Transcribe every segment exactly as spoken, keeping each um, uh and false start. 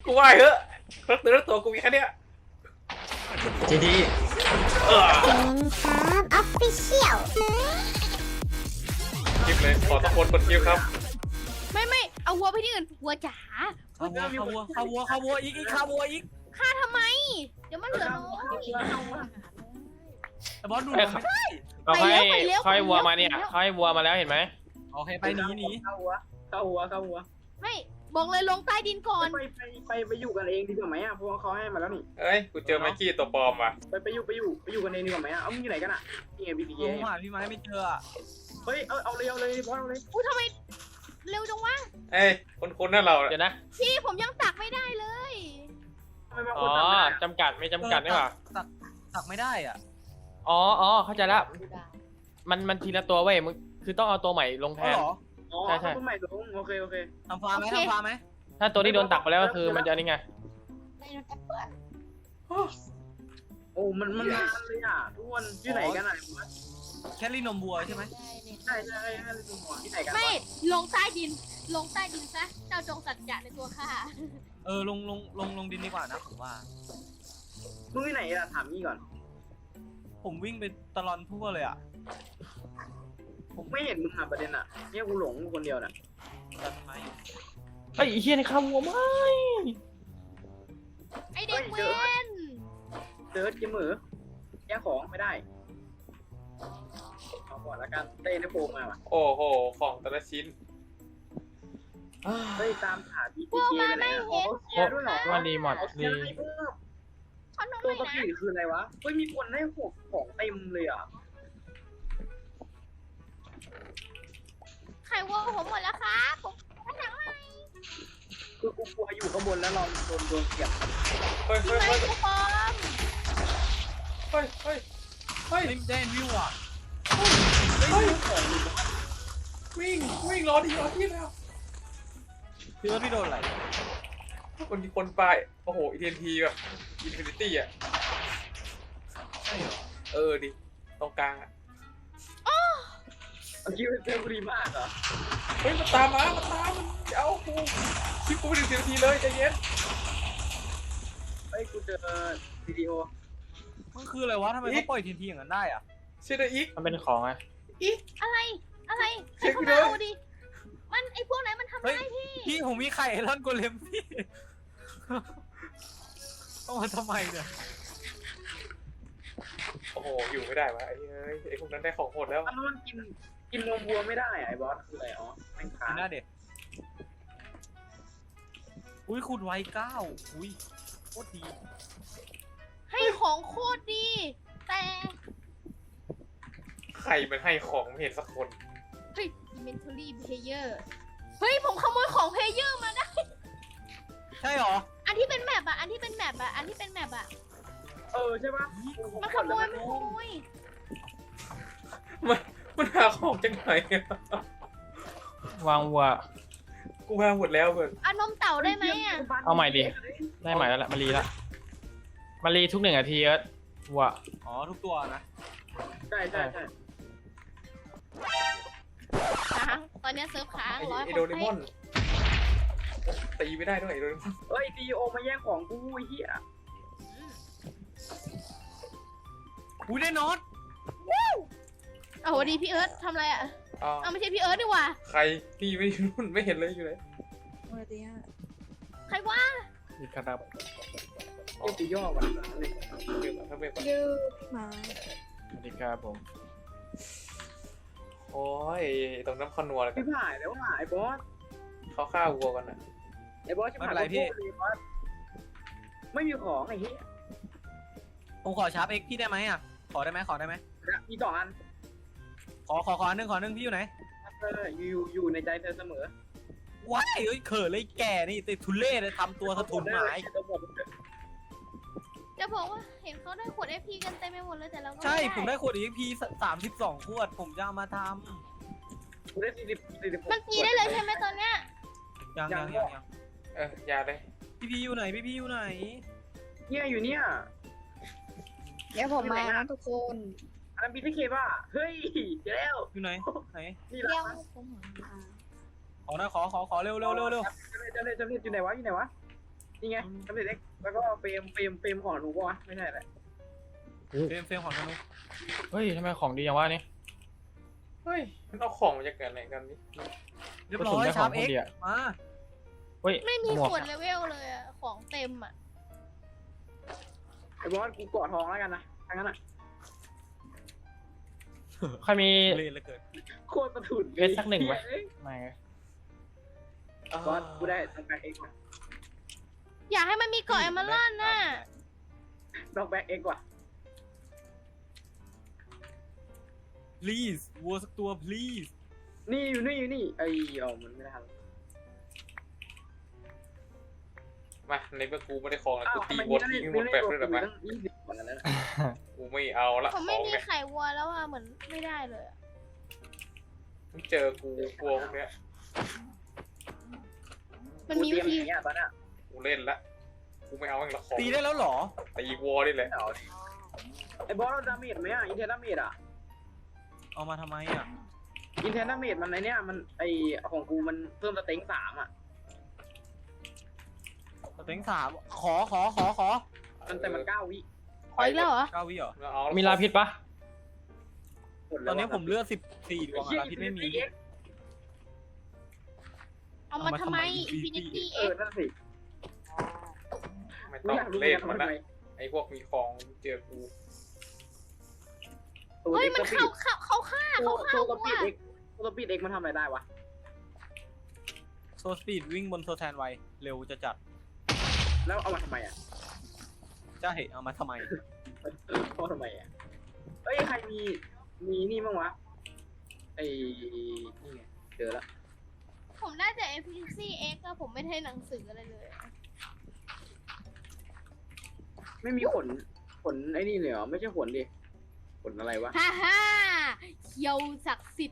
กูไหวเหอะรถเนื้อตัวกูมีแค่เนี้ยจีดีเกมครับออฟฟิเชียลคลิปเลยขอตะโกนกดคิวครับไม่ไม่เอาวัวไปที่อื่นวัวจ๋าข้าวัวข้าวัวข้าวัวข้าวัวอีกอีกข้าวัวอีกฆ่าทำไมเดี๋ยวมันเหลือน้อยแต่บอสดูไม่ได้เราให้ค่อยวัวมาเนี่ยค่อยวัวมาแล้วเห็นไหมโอเคไปหนีหนีเข้าหัวเข้าหัวเข้าหัวไม่บอกเลยลงใต้ดินก่อนไปไปไปไปอยู่กันเองดีกว่าไหมอ่ะเพราะว่าเขาให้มาแล้วนี่เอ้ยกูเจอไมกี้ตัวปลอมว่ะไปไปอยู่ไปอยู่ไปอยู่กันเองดีกว่าไหมอ่ะเอามึงอยู่ไหนกันอ่ะนี่ไงบีบีเอผมหาพี่ไม้ไม่เจอเฮ้ยเอาเอาเลยเอาเลยบอสเอาเลยอุ้ยทำไมเร็วจังวะเอ้ยคนคนนั่นเราเดี๋ยวนะพี่ผมยังตักไม่ได้เลยอ๋อจำกัดไม่จำกัดได้ป่ะตักตักไม่ได้อ่ะอ๋ออ๋อเข้าใจละมันมันทีละตัวเว้ยมึงคือต้องเอาตัวใหม่ลงแทนใช่ใช่ตัวใหม่ลงโอเคโอเคทำฟาร์มไหมทำฟาร์มไหมถ้าตัวที่โดนตักไปแล้วก็คือมันจะนี่ไงโอ้มันมันมาเลยอ่ะทุกคนที่ไหนกันไหนแค่ลีนมวัวใช่ไหมใช่ใช่แค่ลีนมวัวที่ไหนกันไม่ลงใต้ดินลงใต้ดินซะเจ้าจงสัจจะในตัวข้าเออลงลงลงลงดินดีกว่านะผมว่ามึงที่ไหนอ่ะถามนี่ก่อนผมวิ่งไปตลอดทั่วเลยอ่ะผมไม่เห็นมึงอ่ะประเด็นอ่ะเนี่ยกูหลงคนเดียวน่ะตัดไม้ไอ้เฮียในข้าววัวไหมไอเด็กเว้นเจอจิ้มมือแย่ของไม่ได้เอาก่อนละกันเต้นให้โฟมมาว่ะโอ้โหของแต่ละชิ้นเฮ้ยตามหาพีพีเคไหนอ๋อเคลียร์ด้วยเหรอมันดีหมดดีตัวกระบี่คืออะไรวะเฮ้ยมีคนให้หกของเต็มเลยอ่ะไข่วัวผมหมดแล้วครับผมผนังใหม่คือกูกลัวอยู่ข้างบนแล้วลองโดนโดนเสียบเฮ้ยเฮ้ยเฮ้ยเฮ้ยเฮ้ยเฮ้ยเด่นวิวอ่ะเฮ้ยวิ่งวิ่งรอดีรอที่แล้วพี่ว่าพี่โดนอะไรคนคนไปโอ้โหอีเทนทีแบบอินฟินิตี้อ่ะเออดิตรงกลางอ่ะคิดว่าเซลล์ดีมากเหรอเฮ้ยมันตามมามันตามมันเอากูคลิปกูไปถึงสิบนาทีเลยใจเย็นเฮ้ยกูเจอวิดีโอมันคืออะไรวะทำไมเขาปล่อยทีทีอย่างนั้นได้อ่ะเชื่อได้อีกมันเป็นของไงอีกอะไรอะไรใครเข้ามาเอาดิมันไอพวกไหนมันทำได้พี่พี่ผมมีไข่ไอรอนโกเลมพี่ต้องมาทำไมเนี่ยโอ้โหอยู่ไม่ได้วะไอ้เอ้ยไอ้พวกนั้นได้ของหมดแล้วมันกินกินนมวัวไม่ได้ไอ้บอสคืออะไรอ๋อแม่งขาหน้าเด็กอุ้ยขุดไว้เก้าอุ้ยโคตรดีให้ของโคตรดีแต่ใครมันให้ของไม่เห็นสักคนเฮ้ย inventory player เฮ้ยผมขโมยของ player มาได้ใช่หรออันที่เป็นแมปอะอันที่เป็นแมปอะอันที่เป็นแมปอะเออใช่ปะมันขโมยมันขโมยมันมันหาของจังไหนวางวัวกูวางหมดแล้วเพื่อนเอานมเต่าได้ไหมอะเอาใหม่ดิได้ใหม่แล้วแหละมารีละมารีทุกหนึ่งนาทีเอิร์ธวัวอ๋อทุกตัวนะใช่ใช่ใช่ค้างตอนนี้เซิร์ฟค้างร้อยไอโดเรมอนตีไม่ได้ด้วยไอโดเรมอนเฮ้ยดีโอมาแย่งของกูไอ้เหี้ยอุ้ยได้น็อตโอ้โหดีพี่เอิร์ธทำอะไรอ่ะเอาไม่ใช่พี่เอิร์ธดีกว่าใครพี่ไม่รุ่นไม่เห็นเลยอยู่เลยใครวะมีกระดับเอ้ยกูย่อก่อนเลยเดี๋ยวถ้าไม่ก่อนยืดมาสวัสดีครับผมโอ้ยตรงน้ำขนัวเลยพี่ผ่ายแล้วผ่ายบอสเขาฆ่าวัวกันนะไอ้บอสจะผ่ายพี่ไม่มีของไอ้เหี้ยผมขอชาร์ปเอ็กพี่ได้ไหมอ่ะขอได้ไหมขอได้ไหมมีสองอันขอขอขอหนึ่งขอหนึ่งพี่อยู่ไหนเอออยู่อยู่ในใจเธอเสมอว้ายเอ้ยเขินเลยแก่นี่ติดทุเล่เลยทำตัวสะทุนหมายจะบอกว่าเห็นเขาได้ขวด เอฟ พี กันเต็มไปหมดเลยแต่เราใช่ผมได้ขวด เอฟ พี สามสิบสองขวดผมจะเอามาทำได้สี่สิบสี่สิบมันตีได้เลยใช่ไหมตอนเนี้ยยังยังยังยังเอออย่าเลยพี่พีอยู่ไหนพี่พีอยู่ไหนเนี่ยอยู่เนี่ยเดี๋ยวผมมานะทุกคนอันนั้นพีทีเคป่ะเฮ้ยเดี๋ยวแล้วอยู่ไหนไหนนี่แล้วขอนะขอขอขอเร็วเร็วเร็วเร็วจะเล่นจะเล่นจะเล่นอยู่ไหนวะอยู่ไหนวะนี่ไงทำเสร็จเอ็กแล้วก็เฟรมเฟรมเฟรมของหนูปะวะไม่ใช่แหละเฟรมเฟรมของธนูเฮ้ยทำไมของดีอย่างวะนี่เฮ้ยมันเอาของมาจากไหนกันนี่เรียบร้อยชาร์ปเอ็กมาเฮ้ยไม่มีหมวกส่วนเลเวลเลยอะของเต็มอะไอ้บอสกูเกาะทองแล้วกันนะทางนั้นอ่ะใครมีเล่นแล้วเกิดโคตรประทุนเวทสักหนึ่งไหม ไม่บอสกูได้ทำแบ็กเอ็กซ์อยากให้มันมีเกาะเอมเมอรัลน่ะดอกแบ็กเอ็กซ์ว่ะ please วัวสักตัว please นี่อยู่นี่อยู่นี่ไอ้เอามันไม่ได้ทำมาในเมื่อกูไม่ได้ของแล้วอ้าวกูตีทำไมวมีนนั่นทิ้งนี่หมดนี่แปดตัวเลยหรอกูปะตั้งยี่สิบกว่านั้นนะกูไม่เอาละผมขไม่องมีเนี่ยไข่วัวแล้วอะเหมือนไม่ได้เลยอะมึงเจอกูกลัวพวกเนี้ยมันมีกูวิเตรียธีหนีอ่ะตอนน่ะกูเล่นละกูไม่เอาแม่งละของตีได้แล้วเหรอตีวอลนี่แหละเอาดิไอ้บอสเราดาเมจไหมอ่ะอินเทอร์ดาเมจอ่ะเอามาทำไมอ่ะอินเทอร์ดาเมจมันไอเนี้ยมันไอของกูมันเพิ่มสเต็งสามอ่ะสเต็งสามขอขอขอขอมันแต่มันเก้าวิขออีกแล้วเหรอเก้าวิเหรอเอาละมีลาพิษปะหมดตแล้อวนนี้ผมเลือดสิบสี่ดวงอะลาพิษไม่มีเอามาทำไมเอามาทำไมอินฟินิตี้เอเอ็อก นั่นสิไม่กูต้องอยากรู้เล่นทำมันไมนะไอ้พวกมีของเจอกูตัวเฮ้ยเด็กมันสปีเข้าดเข้าเข้าฆ่าตัวเขาฆ่าตัววัสปีดวเอ็กตัวสปีดเอ็กมันทำอะไรได้วะโซสปีดวิ่งบนโซแทนไวเร็วจะจัดแล้วเอามาทำไมอ่ะใช่เอามาทำไมเอามาทำไมอ่ะเอ้ยใครมีมีนี่บ้างวะไอ้นี่ไงเจอละผมได้แต่ Efficiency X อะผมไม่ได้หนังสืออะไรเลยอะไม่มีขนขนไอ้นี่เลยเหรอไม่ใช่ขนดิขนอะไรวะฮ่าฮ่าเคียวศักดิ์สิทธิ์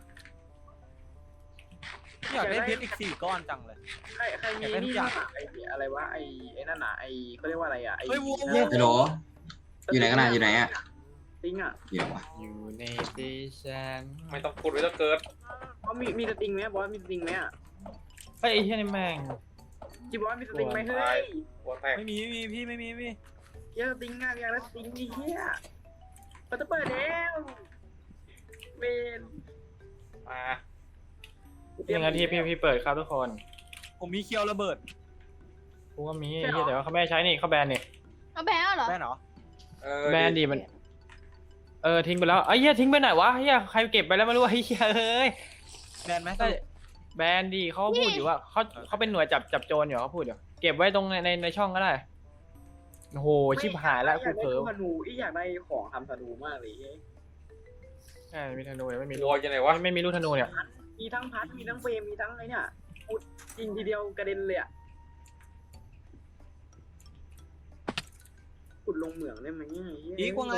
อยากได้เพชรอีกสี่ก้อนจังเลยใครใครมีอยากได้ทุนี่กอย่างบ้างอะไอ้อะไรวะไอ้ไอ้นั่นน่ะไอ้เขาเรียกว่าอะไรอ่ะไอ้เฮ้ยวัววัวฮัลโหล อยู่ไหนกันน่ะอยู่ไหนอะติงอ่ะเดี๋ยววะอยู่ในดิฉันไม่ต้องพูดไว้ต้องเกิดเขามีมีสติงไหมบอสมีสติงไหมอ่ะเฮ้ยไอ้เหี้ยนี่แม่งจีบอสมีสติงไหมเฮ้ยหัวแตกไม่มีไม่มีพี่ไม่มีไม่มีเหี้ยสติงงานอย่างละสติงนี่เฮียมันจะเปิดแล้วเวนมาเตรีหยนึ่มงนาทีพี่พี่เปิดครับทุกคนผมมีเคียวระเบิดกูก็มีใช่เหรอเหี้ยแต่ว่าเขาไม่ให้ใช้นี่เขาแบนนี่เอาแบลเหรอได้เหรอเออแบนดีมันเออทิ้งไปแล้วไอ้เหี้ยทิ้งไปไหนวะเหี้ยใครเก็บไปแล้วไม่รู้ไอ้เหี้ยเอ้ยแบนไหมใช่แบนดีเขาพูดอยู่ว่าเขาเขาเป็นหน่วยจับจับโจรอยู่เขาพูดอยู่เก็บไว้ตรงในในในช่องก็ได้โอ้โหชิบหายแล้วอกูยากเผลได้อธนูอีอยากได้ของทำธนูมากเลยเฮ้ยใช่มีธนูเนี่ยไม่มีลูกยังไงวะไม่มีลูกธนูเนี่ยมีทั้งพัดมีทั้งเฟรมมีทั้งไอ้เนี่ยพูดยิงทีเดียวกระเด็นเลยอ่ะขุดลงเหมืองได้ไหมเนี่ยเฮ้ยอีกว่าไง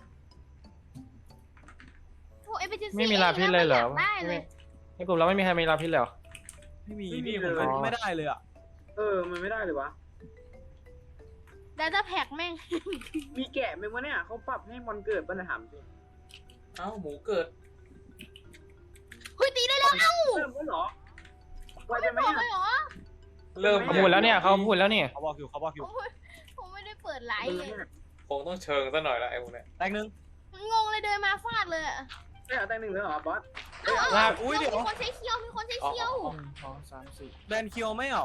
โอ้ Efficiency ไม่มีลาพิษเลยเหรอ X นะไม่อยากได้เลยในกลุ่มเราไม่มีใครมีลาพิษเลยเหรอไม่มีพี่ผมไม่ไม่ได้เลยอ่ะเออมันไม่ได้เลยวะดาต้าแพ็กแม่งมีแกะไหมวะเนี่ยเขาปรับให้มอนเกิดปัญหาจริงเอ้าหมูเกิดเฮ้ยตีได้แล้วเอ้าเริ่มแล้วเหรอว่าจะไม่ไม่บอกเลยเหรอเริ่มเขาพูดแล้วเนี่ยเขาพูดแล้วเนี่ยเขาบอกอยู่เขาบอกอยู่โอ้ยผมไม่ได้เปิดไลฟ์เลยคงต้องเชิงซะหน่อยละไอ้พวกเนี้ยแตกหนึ่งงงเลยเดินมาฟาดเลยอะได้เอาแต่หนึ่งเลยเหรอบอสเอาเอาลาอุ้ยเดี๋ยวมีคนใช้เคียวมีคนใช้เคียวสองสามสี่แบนเคียวไม่เหรอ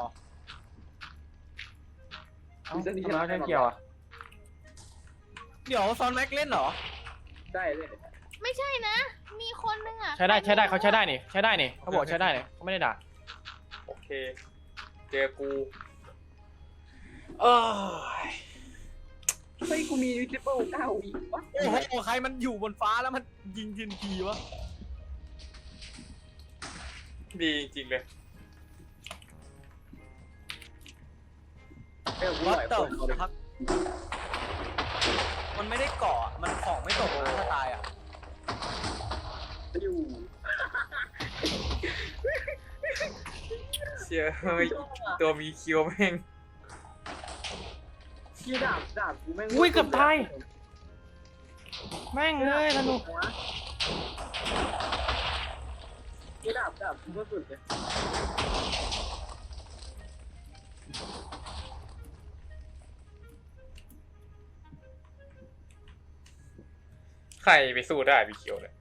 เอ้าทำไมเขาใช้เกี่ยวอ่ะเดี๋ยวซอนแม็กเล่นเหรอได้เลยไม่ใช่นะ มีคนนึงอะใช้ได้ใช้ได้เขาใช้ได้นี่ใช้ได้นี่เขาบอกใช้ได้เนี่ยเขาไม่ได้ด่าโอเคเจอกูเออเฮ้ยกูมีวิจิเปิลเก้าวิวะโอ้โหใครมันอยู่บนฟ้าแล้วมันยิงทินทีวะดีจริงเลยเออกูวัไหดวเต่าคนเอาเลยพักมันไม่ได้เกาะมันของไม่ตกนะถ้าตายอ่ะอยู่เชียเฮ้ยตัวมีคิวแม่งที่ดาบดาบกูแม่งอุ้ยเกือบตายแม่งเลยธนูที่ดาบดาบกูก็สุดเลยใครไปสู้ได้พี่เขียวเลย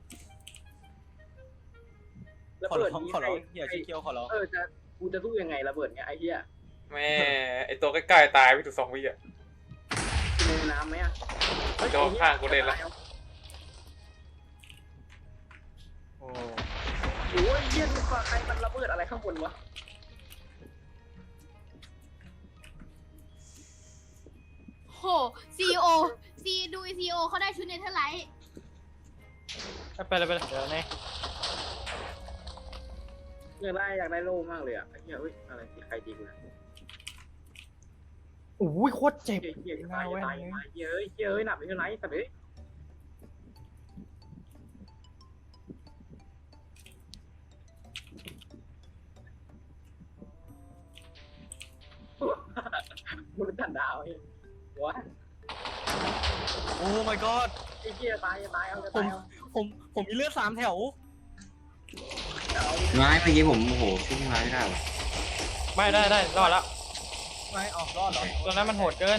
ระขอเบิดร้องนี้ขอร้องใคอย่าชี้เกียวขอร้องเออจะกูจะสู้ยังไงระเบิดเงี้ยไอ้เหี้ยแม่ไอตัวใกล้ๆตายไปถึงสองวิอ่ะในน้ำไหมอ่ะโดนข้างกูเล่นละ โอ้โอ้ยเหี้ยดูฟ้าใครมันระเบิดอะไรข้างบนวะโหซีโอซีดูซีโอเขาได้ชุดเนเธอร์ไลท์ไปเลยไปเลยเดี๋ยวนี่อยากได้อยากได้โล่มากเลยอ่ะไอ้เหี้ยเฮ้ยอะไรที่ใครดีกูนะโอ้ยโคตรเจ็บเหี้ยเหี้ยตายตายตายเหี้ยเอ้ยเหี้ยเอ้ยหนักไปเท่าไหร่สัตว์เอ้ยมนุษย์ต่างดาวเฮ้ยวะโอ้ my god ไอ้เหี้ยตายตายเอาจะผตาม ยเอาผมผมมีเลือดสามแถวไม้เมื่อกี้ผมโอ้โหช่วยพี่ไม้ไม่ได้ว่ะไม่ได้ได้รอดแล้วไม่ออกรอดเหรอตัวนั้นมันโหดเกิน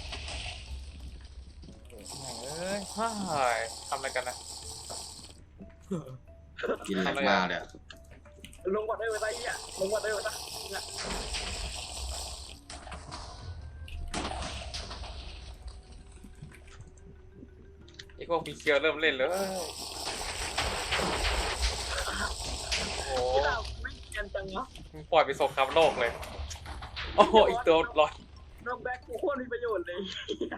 เอ้ยฮ่ายทำอะไรกันนะกินแรงมากเลยอะลงก่อนได้ไหมไอ้เหี้ยลงก่อนได้ไหมนะเนี่ยไอพวกพี่เขียวเริ่มเล่นเลยโอ้ที่เราไม่เกียนจังวะมึงปล่อยไปสงครามโลกเลย โอ้โหอีกตัวรอดน้องแบ็คกูโคตรมีประโยชน์เลย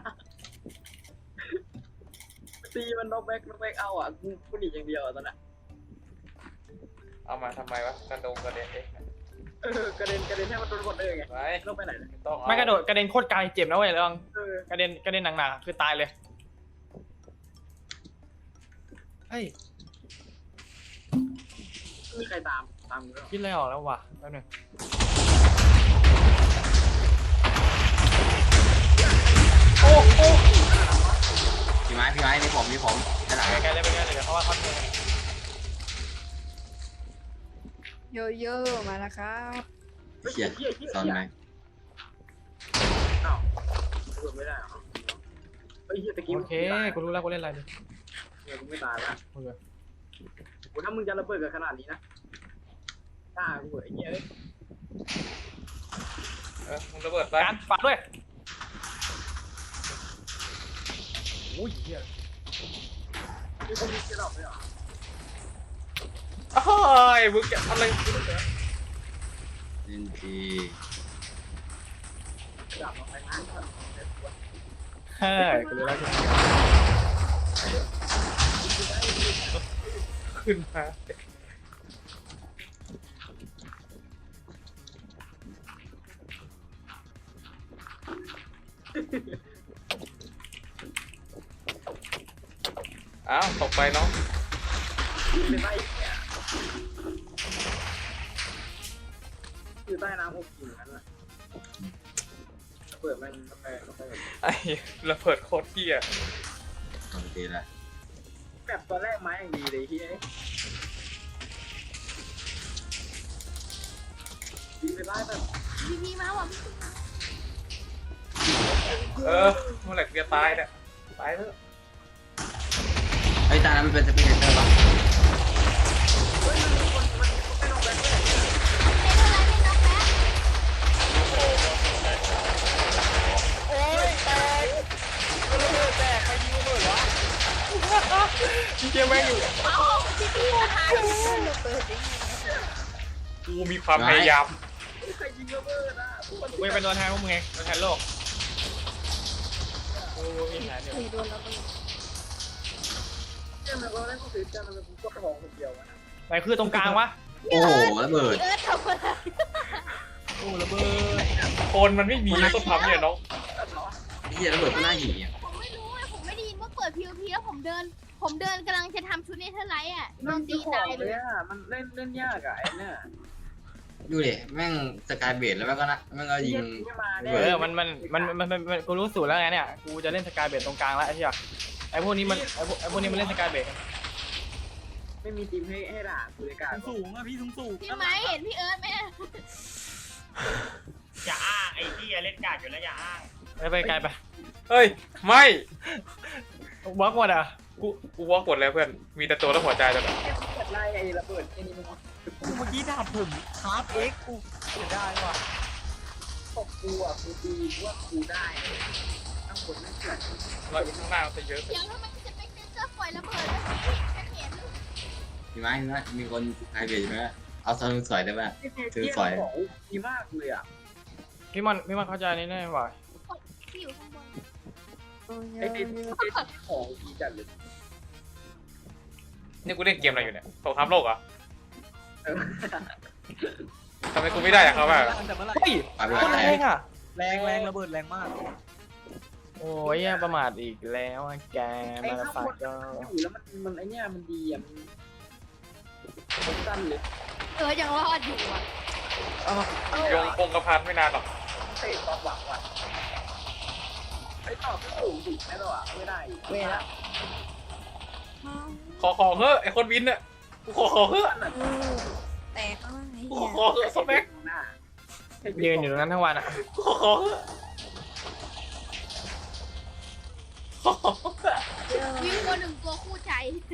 ตีมันน้องแบ็คน้องแบ็คเอาอ่ะกูกูหนีอย่างเดียวอ่ะตอนนั้นเอามาทำไมวะกระโดงกระเด็นเองเออกระเด็นกระเด็นให้มันโดนหมดเลยไงไปลงไปไหนเนี่ยไม่ต้องไม่กระโดดกระเด็นโคตรไกลเจ็บนะเว้ยลองเออกระเด็นกระเด็นหนักๆคือตายเลยเฮ้ยมีใครตามตามกูด้วยคิดอะไรออกแล้ววะแป๊บนึง โอ้โอ้พี่ไม้พี่ไม้นี่ผมนี่ผมด้านหลังไกลๆเลยไปไกลเลยเดี๋ยวเขาว่าเขาเจอโยโย่มาแล้วครับเขียดเหี้ยเหี้ยซ่อนเหี้ยไหมอ้าวระเบิดไม่ได้เหรอเฮ้ยเหี้ยตะกี้โอเคกูรู้แล้วกูเล่นอะไรดิเนี่ยกูไม่ตายละโอเคโอ้ถ้ามึงจะระเบิดกันขนาดนี้นะกล้ากูเหรอไอ้เหี้ยเอ้ยเออมึงระเบิดไปการฝากด้วยโอ้ยเหี้ยมีคนมีเกล็ดเลยเหรออ้ายมึงจะอะไรเล่นทีกลับมาไปงานก่อนเฮ้ยกูรู้แล้วขึ้นมาอ้าวตกไปน้องเป็นไรเนี่ยอยู่ใต้น้ำอบอุ่นนั้นแหละระเบิดมันระเบิดระเบิดไอ้ระเบิดโคตรเที่ยโอเคละแบบตอนแรกไม้อย่างดีเลยที่ไอ้ยิงไปไล่แบบพีพีมาว่ะเออเมื่อไหร่กูจะตายเนี่ยตายเถอะไอ้ยตานั้นมันเป็นสเปกเตอร์ปะเฮ้ยมันมีคนมันไม่ลงไปด้วยเนเธอร์ไลท์เป็นน้องแบ๊กโอ้ยแตกระเบิดแตกใครยิงระเบิดวะพี่เจมแม่งอยู่เอ้าพีพีตายเปิดได้ไงกูมีความพยายามใครยิงระเบิดอ่ะกูจะเป็นตัวแทนพวกมึงไงตัวแทนโลกกูมีแผนอยู่ผีโดนแล้วก็เนี่ยมันก็ได้ก็คือจะมันเป็นก็ของคนเดียวนะไหนคือตรงกลางวะโอ้โหระเบิดเอิร์ธทำอะไรโอ้ระเบิดคนมันไม่มีต้องทำเนี่ยน้องไอ้เหี้ยระเบิดก็น่าหยีอ่ะผมไม่รู้อะผมไม่ได้ยินว่าเปิดพีโอพีแล้วผมเดิน ผมเดินกำลังจะทำชุดเนเธอร์ไลท์อ่ะโดมันนตีตีตาตาย ยเลเลย ยอ่ะมันเล่นเล่นยากอ่ะไอ้เนี่ยดูดิแม่งสกายเบดแล้วแม่งก็นะแม่งก็ยิงไม่มาเอเออมันมันมันมันมันกูรู้สูตรแล้วไงเนี่ยกูจะเล่นสกายเบดตรงกลางแล้วไอ้เหี้ยไอ้พวกนี้มันไอ้พวกไอ้พวกนี้มันเล่นสกายเบดไม่มีทีมให้ให้ด่ากูเลยกาสูงอะพี่สูงสูงพี่ไม้เห็นพี่เอิร์ธไหมอย่าอ้างไอ้ที่เล่นการ์ดอยู่แล้วอย่าอ้างไปไปไกลไปเฮ้ยไม่บล็อกหมดอ่ะกูกูว่ากดแล้วเพื่อนมีแต่ตัวแล้วหัวใจแต่แบบเปิดไล่ไอ้ระเบิดไอ้นี่มึงวะกูเมื่อกี้ดาบผมคาร์ฟเอ็กกูเสียได้ว่ะตบกูอ่ะกูตีว่ากูได้เลยข้างบนนั่นเกิดเราอยู่ข้างหน้ามันจะเยอะเดี๋ยวทำไมจะไปเจอปล่อยระเบิดแล้วพี่ฉันเห็นมีไหมมีไหมมีคนสกายเบดไหมเอาซอนสอยได้ไหม ถือสอยของดีมากเลยอ่ะพี่มันพี่มันเข้าใจนี่แน่ว่ะที่อยู่ข้างบนโอ้ยไอ้ติดของดีจัดเลยนี่กูเล่นเกมอะไรอยู่เนี่ยสงครามโลกเหรอเออทำไมกูไม่ได้อะเขาแบบแต่เมื่อไหร่เฮ้ยไปไปคนไปแรงอ่ะแรงแรงระเบิดแรงมากโอ้ยอย่าประมาทอีกแล้วอะแกไอ้มาข้างฝาบกนก็อยู่แล้วมันมันไอ้เนี่ยมันดีอ่ะมันมันสั้นเลยเออยังรอดอยู่อ่ะยงคงกระพันไม่นานหรอกเตะความหวังว่ะไอ้ต่อก็สูงดิแน่ตัวอ่ะไม่ได้เวลาขอของเฮ้ไอคนวินเนี่ยกูขอของเฮ้เออแตกแล้วไอ้กูเหี้ขอย ของเฮ้สเปคหน้ายืนอยู่ตรงนั้นทั้งวันอ่ะกูขอของเฮ้ขอของเฮ้วิ่งตัวหนึ่งตัวคู่ใจ